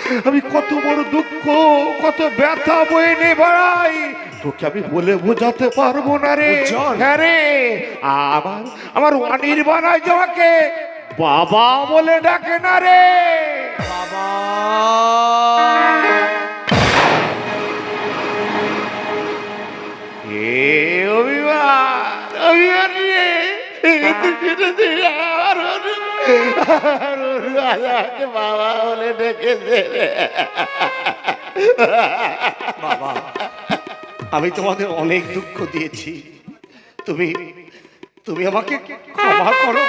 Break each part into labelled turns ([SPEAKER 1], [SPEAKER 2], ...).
[SPEAKER 1] আমি কত বড় দুঃখ, কত ব্যথা বয়ে নিয়ে বেড়াই, তোকে আমি বলে বোঝাতে পারবো না রে। হ্যাঁ রে, আমার আমার অনির্বাণায় যাওয়াকে বাবা বলে ডাকে না রে।
[SPEAKER 2] বাবা
[SPEAKER 1] অভিমান, অভিমান রে, বাবা বলে ডেকেছে।
[SPEAKER 2] বাবা, আমি তোমাদের অনেক দুঃখ দিয়েছি, তুমি তুমি আমাকে ক্ষমা করো।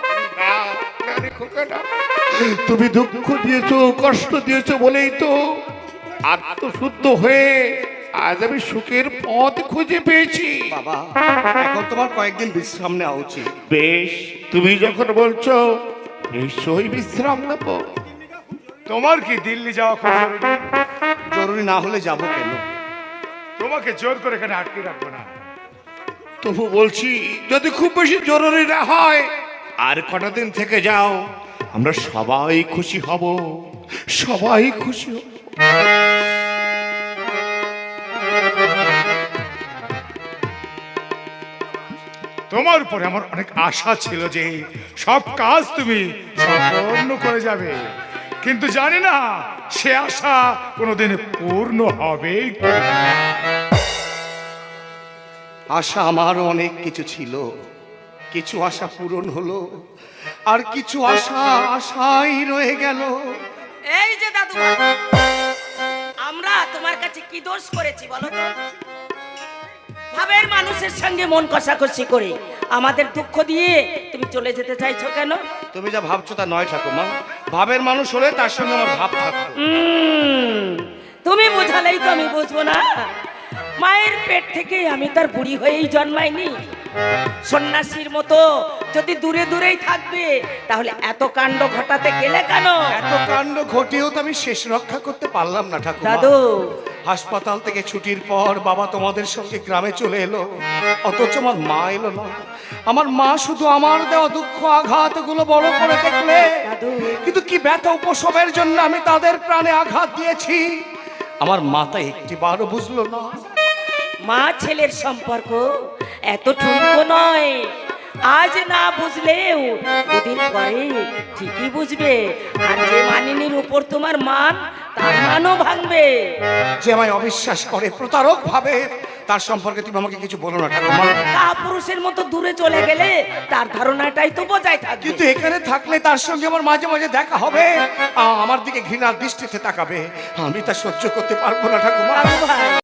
[SPEAKER 1] তুমি দুঃখ দিয়েছো, কষ্ট দিয়েছো বলেই তো আত্মশুদ্ধ হয়ে আজ আমি সুখের পথ খুঁজে পেয়েছি।
[SPEAKER 2] বাবা, এখন তোমার কয়েকদিন বিশ্রাম নেওয়া উচিত।
[SPEAKER 1] বেশ, তুমি যখন বলছো নিশ্চয়ই বিশ্রাম নেব।
[SPEAKER 3] তোমার কি দিল্লি যাওয়া খুব জরুরি?
[SPEAKER 2] জরুরি না হলে যাব কেন?
[SPEAKER 3] তোমাকে জোর করে এখানে আটকে রাখবো না।
[SPEAKER 1] তবু বলছি, যদি খুব বেশি জরুরি না হয় আর কটা দিন থেকে যাও, আমরা সবাই খুশি হব, সবাই খুশি হব।
[SPEAKER 3] তোমার উপরে আমার অনেক আশা ছিল যে সব কাজ তুমি সম্পূর্ণ করে যাবে, কিন্তু জানি না সে আশা কোনোদিন পূর্ণ হবে কি।
[SPEAKER 2] আশা আমার অনেক কিছু ছিল, কিছু আশা পূরণ হলো, আর কিছু আশা আশাই রয়ে গেল।
[SPEAKER 4] এই যে দাদু, আমরা তোমার কাছে কি দোষ করেছি বলো তো? ভাবের মানুষের সঙ্গে মন কষাকষি করে আমাদের দুঃখ দিয়ে তুমি চলে যেতে চাইছো কেন?
[SPEAKER 2] তুমি যা ভাবছো তা নয় ঠাকুমা, ভাবের মানুষ হলে তার সঙ্গে আমার ভাব থাকতো।
[SPEAKER 4] তুমি বোঝালেই তো আমি বুঝবো না। মায়ের পেট থেকে আমি তার বুড়ি হয়েই জন্মাইনি। সন্ন্যাসীর মতো যদি দূরে দূরেই থাকবে তাহলে এত কাণ্ড ঘটাতে গেলে কেন?
[SPEAKER 2] এত কাণ্ড ঘটেও তো আমি শেষ রক্ষা করতে পারলাম না ঠাকুমা।
[SPEAKER 4] দাদু,
[SPEAKER 2] হাসপাতাল থেকে ছুটির পর বাবা তোমাদের সঙ্গে গ্রামে চলে এলো, অথচ আমার মা এলো না। আমার মা শুধু আমার দেওয়া দুঃখ আঘাত গুলো বড় করে দেখলে, কিন্তু কি ব্যথা উপশমের জন্য আমি তাদের প্রাণে আঘাত দিয়েছি আমার মাথা একটিবারও বুঝলো না।
[SPEAKER 4] মা ছেলের সম্পর্ক এত ঠুনকো নয়। আজ না বুঝলেও দুদিন পরে ঠিকই বুঝবে। আর যে মানিনীর উপর তোমার মান, তার মানও ভাঙবে।
[SPEAKER 2] যে আমায় অবিশ্বাস করে, প্রতারক ভাবে, তার সম্পর্কে তুমি আমাকে কিছু বলো না ঠাকুমা।
[SPEAKER 4] কাপুরুষের মতো দূরে চলে গেলে তার ধারণাটাই তো বজায় থাকবে।
[SPEAKER 2] কিন্তু এখানে থাকলে তার সঙ্গে আমার মাঝে মাঝে দেখা হবে, আমার দিকে ঘৃণার দৃষ্টিতে তাকাবে, আমি তা সহ্য করতে পারবো না ঠাকুমা।